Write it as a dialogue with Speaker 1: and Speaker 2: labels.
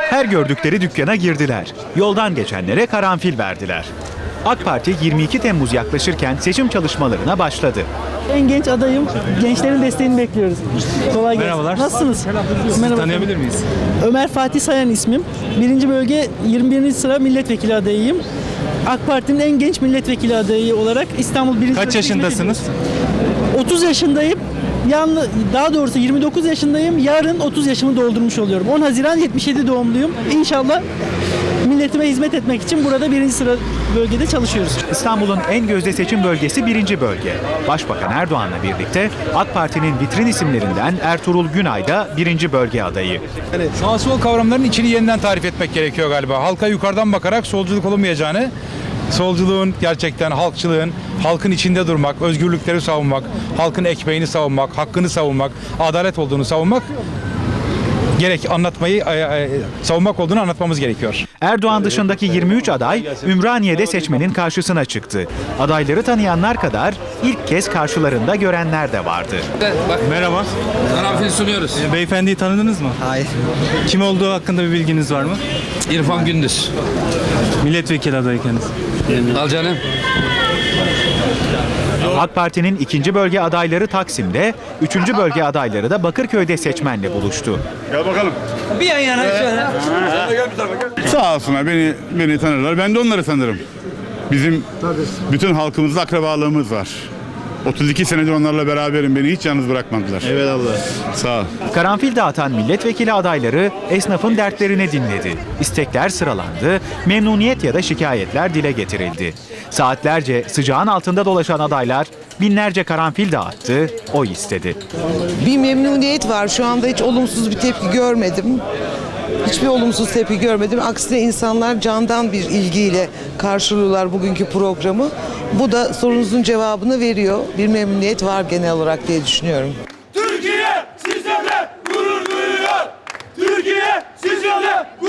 Speaker 1: Her gördükleri dükkana girdiler. Yoldan geçenlere karanfil verdiler. AK Parti 22 Temmuz yaklaşırken seçim çalışmalarına başladı.
Speaker 2: En genç adayım. Gençlerin desteğini bekliyoruz. Kolay gelsin.
Speaker 3: Merhabalar.
Speaker 2: Nasılsınız?
Speaker 3: Sizi tanıyabilir miyiz?
Speaker 2: Ömer Fatih Sayan ismim. 1. bölge 21. sıra milletvekili adayıyım. AK Parti'nin en genç milletvekili adayı olarak İstanbul 1.
Speaker 3: Kaç yaşındasınız?
Speaker 2: 30 yaşındayım. Daha doğrusu 29 yaşındayım. Yarın 30 yaşımı doldurmuş oluyorum. 10 Haziran 77 doğumluyum. İnşallah milletime hizmet etmek için burada 1. sıra bölgede çalışıyoruz.
Speaker 1: İstanbul'un en gözde seçim bölgesi 1. bölge. Başbakan Erdoğan'la birlikte AK Parti'nin vitrin isimlerinden Ertuğrul Günay da 1. bölge adayı.
Speaker 4: Sağ sol kavramların içini yeniden tarif etmek gerekiyor galiba. Halka yukarıdan bakarak solculuk olmayacağını, solculuğun gerçekten halkçılığın, halkın içinde durmak, özgürlükleri savunmak, halkın ekmeğini savunmak, hakkını savunmak, adalet olduğunu savunmak savunmak olduğunu anlatmamız gerekiyor.
Speaker 1: Erdoğan dışındaki 23 aday Ümraniye'de seçmenin karşısına çıktı. Adayları tanıyanlar kadar ilk kez karşılarında görenler de vardı.
Speaker 3: Merhaba.
Speaker 5: Karanfil sunuyoruz.
Speaker 3: Beyefendiyi tanıdınız mı?
Speaker 6: Hayır.
Speaker 3: Kim olduğu hakkında bir bilginiz var mı?
Speaker 5: İrfan Gündüz.
Speaker 3: Milletvekili adayı kendisi.
Speaker 5: Al canım.
Speaker 1: AK Parti'nin 2. bölge adayları Taksim'de, 3. bölge adayları da Bakırköy'de seçmenle buluştu.
Speaker 7: Gel bakalım.
Speaker 5: Bir yan yana şöyle.
Speaker 7: Sağ olsunlar beni tanırlar. Ben de onları tanırım. Bizim bütün halkımızla akrabalığımız var. 32 senedir onlarla beraberim. Beni hiç yalnız bırakmadılar. Evet Allah. Sağ ol.
Speaker 1: Karanfil dağıtan milletvekili adayları esnafın dertlerini dinledi. İstekler sıralandı, memnuniyet ya da şikayetler dile getirildi. Saatlerce sıcağın altında dolaşan adaylar binlerce karanfil dağıttı, oy istedi.
Speaker 6: Bir memnuniyet var. Şu anda hiç olumsuz bir tepki görmedim. Hiçbir olumsuz tepki görmedim. Aksine insanlar candan bir ilgiyle karşılıyorlar bugünkü programı. Bu da sorunuzun cevabını veriyor. Bir memnuniyet var genel olarak diye düşünüyorum.